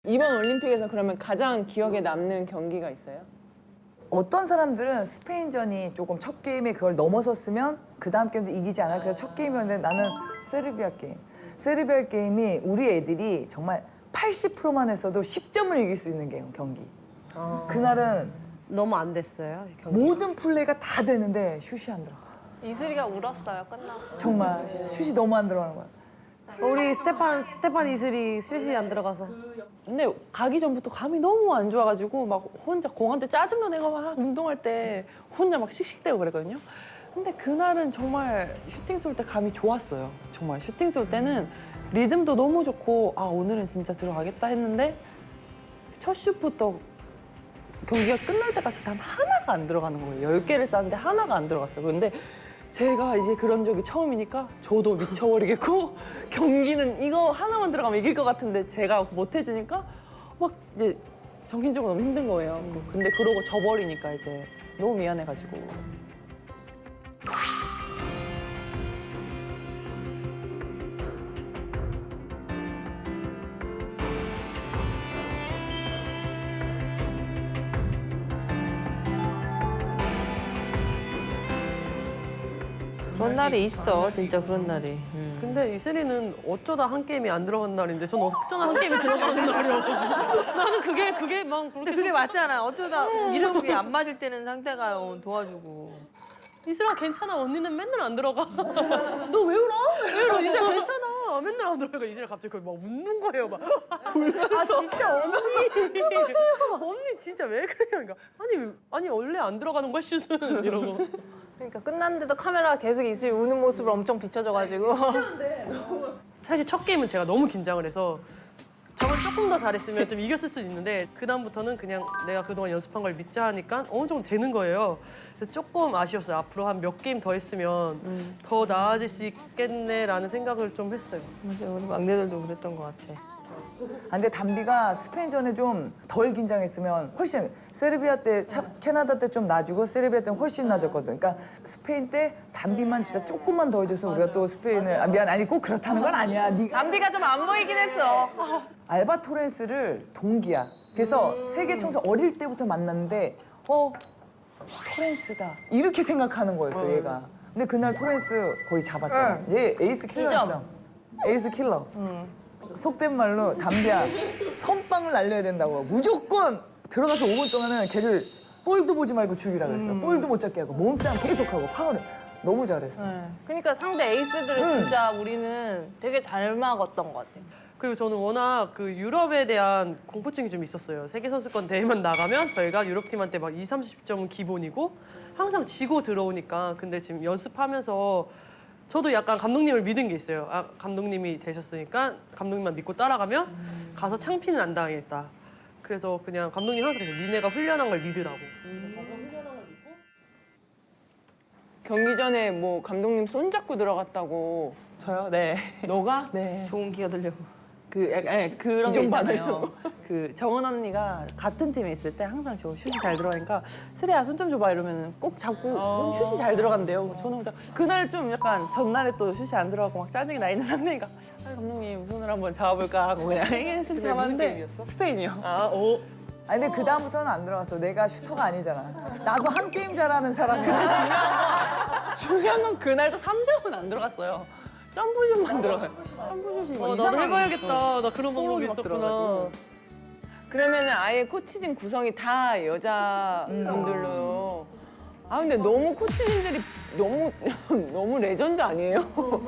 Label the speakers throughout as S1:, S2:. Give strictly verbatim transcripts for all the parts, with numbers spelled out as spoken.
S1: 이번 올림픽에서 그러면 가장 기억에 남는 경기가 있어요?
S2: 어떤 사람들은 스페인전이 조금 첫 게임에 그걸 넘어섰으면 그 다음 게임도 이기지 않아. 그래서 첫 게임이었는데 나는 세르비아 게임. 세르비아 게임이 우리 애들이 정말 팔십 퍼센트만 했어도 십 점을 이길 수 있는 게임, 경기. 그날은
S3: 너무 안 됐어요, 경기.
S2: 모든 플레이가 다 되는데 슛이 안 들어가.
S4: 이슬이가 울었어요, 끝나고.
S2: 정말 슛이 너무 안 들어가는 거야.
S3: 우리 스테판 스테판 이슬이 슛이 안 들어가서.
S5: 근데 가기 전부터 감이 너무 안 좋아가지고 막 혼자 공한테 짜증도 내고 막 운동할 때 혼자 막 씩씩대고 그랬거든요. 근데 그날은 정말 슈팅 쏠 때 감이 좋았어요. 정말 슈팅 쏠 때는 리듬도 너무 좋고 아 오늘은 진짜 들어가겠다 했는데 첫 슛부터 경기가 끝날 때까지 단 하나가 안 들어가는 거예요. 열 개를 쐈는데 하나가 안 들어갔어요. 근데 제가 이제 그런 적이 처음이니까 저도 미쳐버리겠고 경기는 이거 하나만 들어가면 이길 것 같은데 제가 못 해주니까 막 이제 정신적으로 너무 힘든 거예요. 근데 그러고 져버리니까 이제 너무 미안해가지고.
S6: 그런 날이 있어, 진짜 그런 날이.
S3: 근데 이슬이는 어쩌다 한 게임이 안 들어간 날인데 저는 어쩌다 한 게임이 들어가는 날이어가지고 나는 그게 그게 막 그렇게
S6: 근데 그게 맞잖아. 어쩌다 이런 게 안 맞을 때는 상대가 어, 도와주고.
S3: 이슬아 괜찮아 언니는 맨날 안 들어가. 너 왜 울어? 왜 울어? 이슬아 괜찮아. 맨날 안 들어가. 이슬아 갑자기 거의 막 웃는 거예요. 막. 아 진짜 언니. 언니 진짜 왜 그래요? 그러니까 아니 아니 원래 안 들어가는 거야 슛은 이러고.
S4: 그러니까 끝났는데도 카메라가 계속 이슬이 우는 모습을 엄청 비춰줘가지고.
S3: 사실 첫 게임은 제가 너무 긴장을 해서 저건 조금 더 잘했으면 좀 이겼을 수도 있는데 그 다음부터는 그냥 내가 그동안 연습한 걸 믿자 하니까 어느 정도 되는 거예요. 그래서 조금 아쉬웠어요. 앞으로 한 몇 게임 더 했으면 더 나아질 수 있겠네라는 생각을 좀 했어요.
S6: 맞아, 우리 막내들도 그랬던 것 같아.
S2: 아, 근데 담비가 스페인전에 좀 덜 긴장했으면 훨씬 세르비아 때, 참, 캐나다 때 좀 나아지고 세르비아 때는 훨씬 나아졌거든. 그러니까 스페인 때 담비만 진짜 조금만 더 해줘서 우리가 또 스페인을 아, 미안 아니 꼭 그렇다는 건 아니야. 네가
S4: 담비가 좀 안 보이긴 했어.
S2: 알바 토렌스를 동기야. 그래서 세계 청소 어릴 때부터 만났는데 어 토렌스다 이렇게 생각하는 거였어 얘가. 근데 그날 토렌스 거의 잡았잖아. 얘 에이스 킬러였어. 에이스 킬러. 속된 말로 담비야 선빵을 날려야 된다고 무조건 들어가서 오 분 동안은 걔를 볼도 보지 말고 죽이라 그랬어. 볼도 못 잡게 하고 몸싸움 계속하고 파워를 너무 잘했어.
S4: 그러니까 상대 에이스들을 진짜 우리는 되게 잘 막았던 것 같아.
S3: 그리고 저는 워낙 그 유럽에 대한 공포증이 좀 있었어요. 세계선수권 대회만 나가면 저희가 유럽팀한테 막 이십, 삼십 점은 기본이고 항상 지고 들어오니까. 근데 지금 연습하면서 저도 약간 감독님을 믿은 게 있어요. 아, 감독님이 되셨으니까 감독님만 믿고 따라가면 가서 창피는 안 당하겠다. 그래서 그냥 감독님 항상 그래서 니네가 훈련한 걸 믿으라고. 가서 훈련한 걸 믿고.
S1: 경기 전에 뭐 감독님 손잡고 들어갔다고.
S5: 저요? 네.
S1: 너가?
S5: 네.
S6: 좋은 기회 들려고.
S5: 그 약간 네, 그런 게
S1: 기존
S5: 있잖아요. 그 정은 언니가 같은 팀에 있을 때 항상 저 슛이 잘 들어가니까 슬이야 손 좀 줘봐 이러면 꼭 잡고 그럼 슛이 잘 들어간대요. 저는 그냥 그날 좀 약간 전날에 또 슛이 안 들어가고 막 짜증이 나 있는 상태니까 아 감독님 손을 한번 잡아볼까 하고 그냥 슬
S3: 무슨
S5: 잡았는데
S3: 게임이었어?
S5: 스페인이요.
S3: 아, 오.
S2: 아니 근데 그 다음부터는 안 들어갔어. 내가 슈터가 아니잖아. 나도 한 게임 잘하는 사람이야.
S5: 중요한 건 그날도 삼 점은 안 들어갔어요. 점프슛만 들어가요. 점프슛이 막
S3: 어, 나도
S5: 이상하게
S3: 해봐야겠다. 나 그런 방법이
S5: 막
S3: 있었구나.
S5: 들어가지고.
S1: 그러면은 아예 코치진 구성이 다 여자분들로. 아 근데 너무 코치진들이 너무 너무 레전드 아니에요?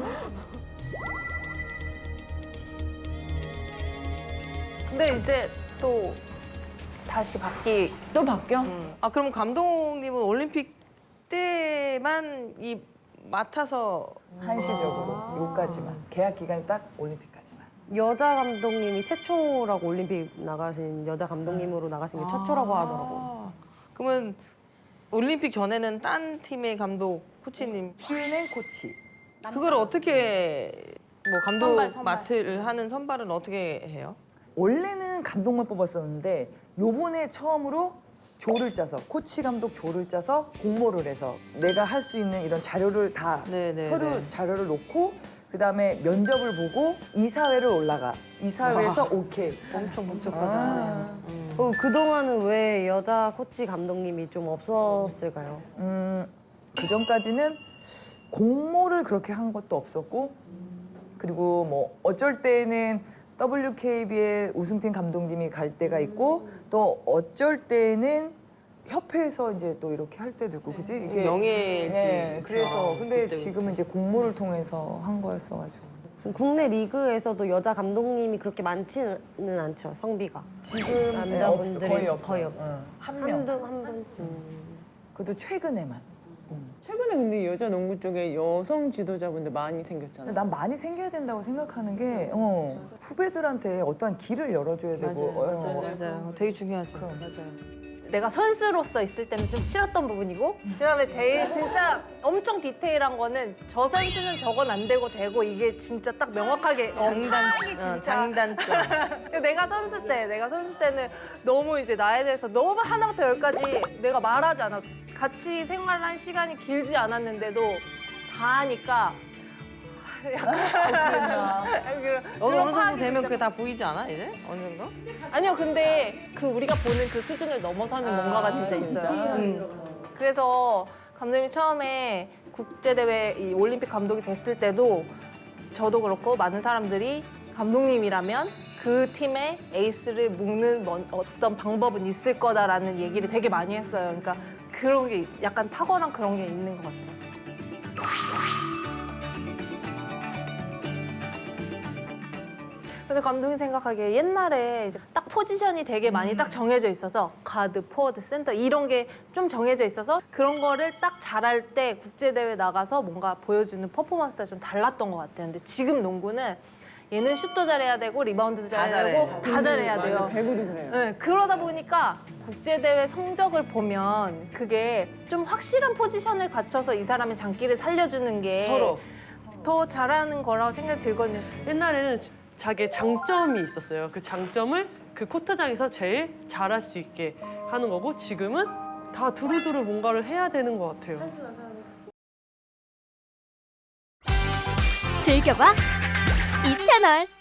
S4: 근데 이제 또 다시 바뀌. 또 바뀌어?
S6: 아, 그럼 감독님은 올림픽 때만 이 맡아서
S2: 한시적으로 요까지만 계약 기간이 딱 올림픽까지만.
S3: 여자 감독님이 최초라고 올림픽 나가신 여자 감독님으로 나가신 게 최초라고 하더라고.
S6: 그러면 올림픽 전에는 딴 팀의 감독 코치님
S2: 큐엔 코치.
S6: 그걸 어떻게 뭐 감독
S4: 선발, 선발.
S6: 맡을 하는 선발은 어떻게 해요?
S2: 원래는 감독만 뽑았었는데 요번에 처음으로 조를 짜서 코치 감독 조를 짜서 공모를 해서 내가 할 수 있는 이런 자료를 다
S6: 네, 네,
S2: 서류
S6: 네.
S2: 자료를 놓고 그다음에 면접을 보고 이사회를 올라가. 이사회에서 오케이.
S6: 엄청 복잡하잖아요.
S7: 그럼 그동안은 왜 여자 코치 감독님이 좀 없었을까요?
S2: 음, 그 전까지는 공모를 그렇게 한 것도 없었고, 그리고 뭐 어쩔 때는 더블유케이비의 우승팀 감독님이 갈 때가 있고, 또 어쩔 때는 협회에서 이제 또 이렇게 할 때도 있고, 그지? 이게
S6: 명예지.
S2: 네, 그래서 근데
S6: 그때,
S2: 지금은 이제 공모를 통해서 한 거였어가지고
S7: 지금 국내 리그에서도 여자 감독님이 그렇게 많지는 않죠, 성비가.
S2: 지금
S7: 남자분들이
S2: 거의 없어.
S7: 거의 없-
S2: 응. 한 명.
S7: 한두 한 분.
S2: 그것도 최근에만.
S1: 최근에 근데 여자 농구 쪽에 여성 지도자분들 많이 생겼잖아요.
S2: 난 많이 생겨야 된다고 생각하는 게 어, 후배들한테 어떠한 길을 열어줘야 되고 어,
S6: 맞아요. 되게 중요하죠.
S2: 그럼.
S6: 맞아요.
S4: 내가 선수로서 있을 때는 좀 싫었던 부분이고 그다음에 제일 진짜 엄청 디테일한 거는 저 선수는 저건 안 되고 되고 이게 진짜 딱 명확하게
S6: 장단,
S4: 상황이
S6: 어,
S4: 진짜
S6: 장단점.
S4: 내가 선수 때 내가 선수 때는 너무 이제 나에 대해서 너무 하나부터 열까지 내가 말하지 않아 같이 생활한 시간이 길지 않았는데도 다 하니까
S6: 어느 어느 정도 되면 그게 다 보이지 않아 이제 어느 정도?
S4: 아니요, 근데 그 우리가 보는 그 수준을 넘어서는 뭔가가 진짜 있어요. 음. 그래서 감독님이 처음에 국제대회 이 올림픽 감독이 됐을 때도 저도 그렇고 많은 사람들이 감독님이라면 그 팀의 에이스를 묶는 뭔- 어떤 방법은 있을 거다라는 얘기를 되게 많이 했어요. 그러니까 그런 게 약간 탁월한 그런 게 있는 것 같아요. 근데 감독님 생각하기에 옛날에 이제 딱 포지션이 되게 많이 딱 정해져 있어서 가드, 포워드, 센터 이런 게 좀 정해져 있어서 그런 거를 딱 잘할 때 국제대회 나가서 뭔가 보여주는 퍼포먼스가 좀 달랐던 것 같아요. 근데 지금 농구는 얘는 슛도 잘해야 되고 리바운드도 잘해야
S6: 잘해.
S4: 되고 다 잘해야
S1: 맞아,
S4: 돼요.
S1: 배구도 그래요.
S4: 네, 그러다 보니까 국제대회 성적을 보면 그게 좀 확실한 포지션을 갖춰서 이 사람의 장기를 살려주는 게
S6: 서로.
S4: 더 잘하는 거라고 생각이 들거든요.
S3: 옛날에는 자기의 장점이 있었어요. 그 장점을 그 코트장에서 제일 잘할 수 있게 하는 거고 지금은 다 두루두루 뭔가를 해야 되는 것 같아요.
S8: 즐겨봐 이 채널.